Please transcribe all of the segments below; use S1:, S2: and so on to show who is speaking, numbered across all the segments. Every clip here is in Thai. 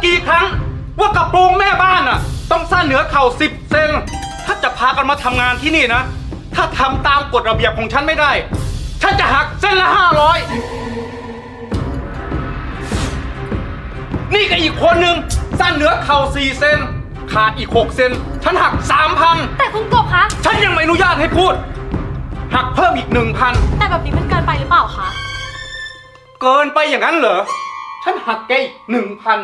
S1: กี่ครั้งว่ากระโปรงแม่บ้านอ่ะต้องสั้นเหนือเข่า10 เซนถ้าจะพากันมาทำงานที่นี่นะถ้าทำตามกฎระเบียบของฉันไม่ได้ฉันจะหักเส้นละ500นี่ก็อีกคนนึงสั้นเหนือเข่า4 เซนขาดอีก6 เซนฉันหัก 3,000
S2: แต่คุณกบคะ
S1: ฉันยังไม่อนุญาตให้พูดหักเพิ่มอีก 1,000
S2: แต่แบบนี้มันเกินไปหรือเปล่าคะ
S1: เกินไปอย่างนั้นเหรอฉันหักแกอีก 1,000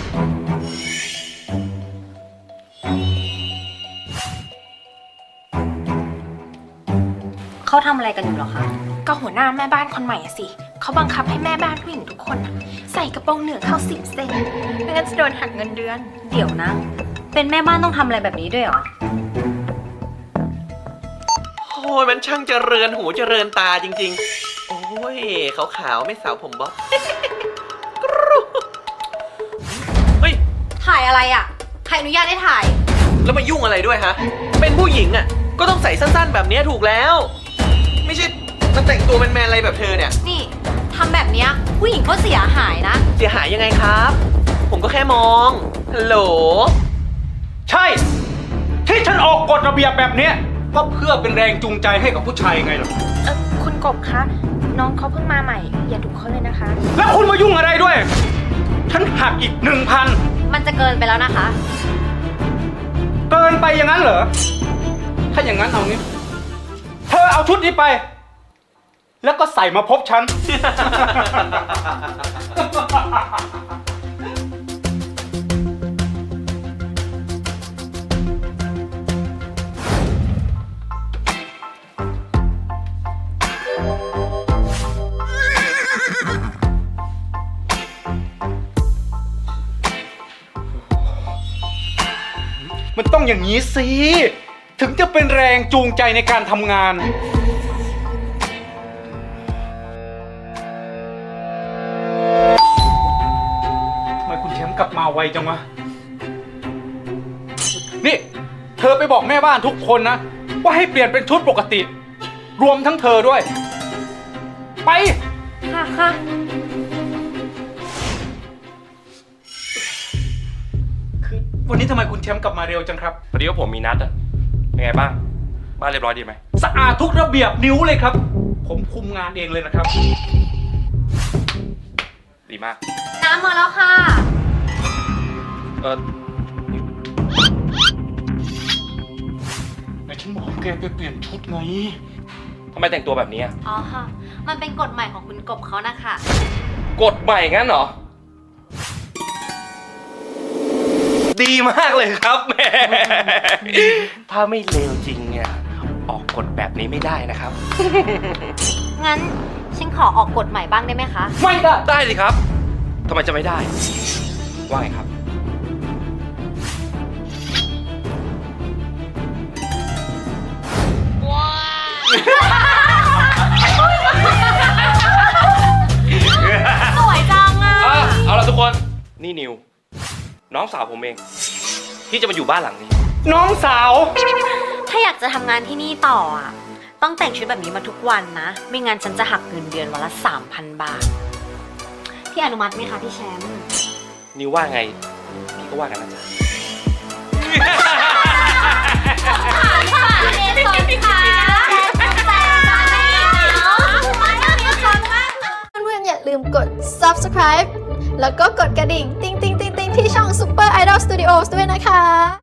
S2: เขาทำอะไรกันอยู่หรอคะ
S3: ก็หัวหน้าแม่บ้านคนใหม่อะสิเขาบังคับให้แม่บ้านผู้หญิงทุกคนอะใส่กระโปรงเหนือเข้า10 เซนไม่งั้นจะโดนหักเงินเดือน
S2: เดี๋ยวนะ เป็นแม่บ้านต้องทำอะไรแบบนี้ด้วยเหรอ
S4: โอ้ยมันช่างเจริญหูเจริญตาจริงๆ โอ้ยขาวๆไม่สาวผมบ๊อบ เฮ้ย
S2: ถ่ายอะไรอ่ะ ใครอนุญาตให้ถ่าย
S4: แล้วมายุ่งอะไรด้วยฮะ เป็นผู้หญิงอ่ะ ก็ต้องใส่สั้นๆแบบนี้ถูกแล้ว ไม่ใช่มาแต่งตัวแมนๆอะไรแบบเธอเนี่ย
S2: นี่ทำแบบเนี้ยผู้หญิงเขาเสียหายนะ
S4: เสียหายยังไงครับ ผมก็แค่มอง ฮัลโหล
S1: ใช่ ที่ฉันออกกฎระเบียบแบบเนี้ยก็เพื่อเป็นแรงจูงใจให้กับผู้ชายไงล่ะ
S3: คุณกบคะน้องเขาเพิ่งมาใหม่ อย่าดุเขาเลยนะคะ
S1: แล้วคุณมายุ่งอะไรด้วย ฉันหักอีก 1,000
S2: มันจะเกินไปแล้วนะคะ
S1: เกินไปอย่างนั้นเหรอถ้าอย่างนั้นเอางี้เธอเอาชุดนี้ไป แล้วก็ใส่มาพบฉัน มันต้องอย่างนี้สิ ถึงจะเป็นแรงจูงใจในการทำงานทำไมคุณแชมป์กลับมาไวจังวะ นี่ เธอไปบอกแม่บ้านทุกคนนะ ว่าให้เปลี่ยนเป็นชุดปกติ รวมทั้งเธอด้วย ไป
S2: ค่ะค่ะ
S1: คือวันนี้ทำไมคุณแชมป์กลับมาเร็วจังครับ
S5: พอดีว่าผมมีนัดอะเป็นไงบ้าง บ้านเรียบร้อยดีไหม
S1: สะอาดทุกระเบียบนิ้วเลยครับ ผมคุมงานเองเลยนะครับ
S5: ดีมาก
S2: น้ำมาแล้วค่ะ
S1: ไหนฉันบอกแกไปเปลี่ยนชุดไง
S5: ทำไมแต่งตัวแบบนี้อะ
S2: อ๋อค่ะ มันเป็นกฎใหม่ของคุณกบเขานะคะ
S5: กฎใหม่งั้นเหรอ ดีมากเลยครับแหม่ ถ้าไม่เลวจริงเนี่ยออกกฎแบบนี้ไม่ได้นะครับ
S2: งั้นฉันขอออกกฎใหม่บ้างได้ไหมคะ
S1: ไม่ได้
S5: ได้สิครับทำไมจะไม่ได้ ว่าไงครับ
S2: สวยจังอ่ะ
S5: เอาล่ะทุกคน นี่นิว น้องสาวผมเอง ที่จะมาอยู่บ้านหลังนี้
S1: น้องสาว
S2: ถ้าอยากจะทำงานที่นี่ต่ออ่ะ ต้องแต่งชุดแบบนี้มาทุกวันนะ ไม่งั้นฉันจะหักเงินเดือนวันละ 3,000 บาท พี่อนุมัติไหมคะพี่แชมป์
S5: นิวว่าไง พี่ก็ว่ากันนะจ๊ะ
S6: เพื่อนๆอย่าลืมกด subscribe แล้วก็กดกระดิ่ง ติ๊งๆๆๆที่ช่อง Super Idol Studios ด้วยนะคะ